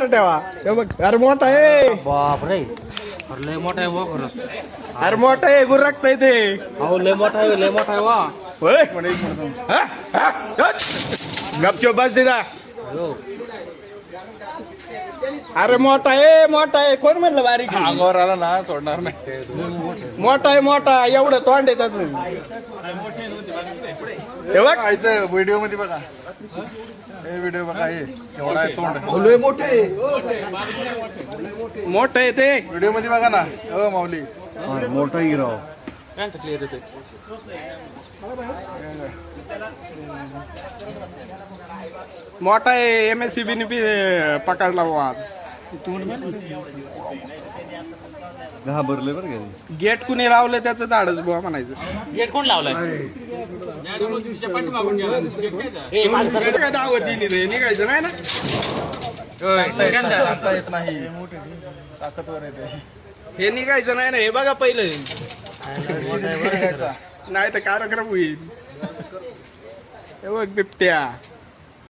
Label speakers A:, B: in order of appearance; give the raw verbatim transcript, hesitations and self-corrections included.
A: ठेवा हे बघ अरे मोठा आहे
B: बाप रे लय मोठा आहे वा खरंच
A: अरे मोठा आहे गुरकता ते
B: अहो लय मोठा आहे लय मोठा आहे वा
A: होय हा? हा? हट. गपचूप बस दिदा अरे मोठा आहे मोठा आहे कोण म्हणलं बारीक आहे?
C: अंगावर आला ना सोडणार नाही.
A: मोठा आहे मोठा एवढं तोंड आहे त्याच हे बघ
C: इथं व्हिडिओ मध्ये बघा हे व्हिडिओ बघा हे एवढा आहे तोंड
A: मोठे मोठं आहे ते
C: व्हिडिओ मध्ये बघा ना हो माऊली
A: मोठा हिराव
B: त्यांचं क्लिअर येते
A: मोठा आहे M S C B B पकडला बुवा आज
C: घाबरले बरं का
A: गेट कुणी लावलं त्याचं धाडच बुवा म्हणायचं
B: गेट कोण लावलाय
A: काय दावतीने रे निघायचं नाही ना
C: सांगता येत नाही ताकदवर येते
A: हे निघायचं नाही ना हे बघा पहिलं
C: निघायचा
A: नाही तर कार्यक्रम होईल हे बघ बिबट्या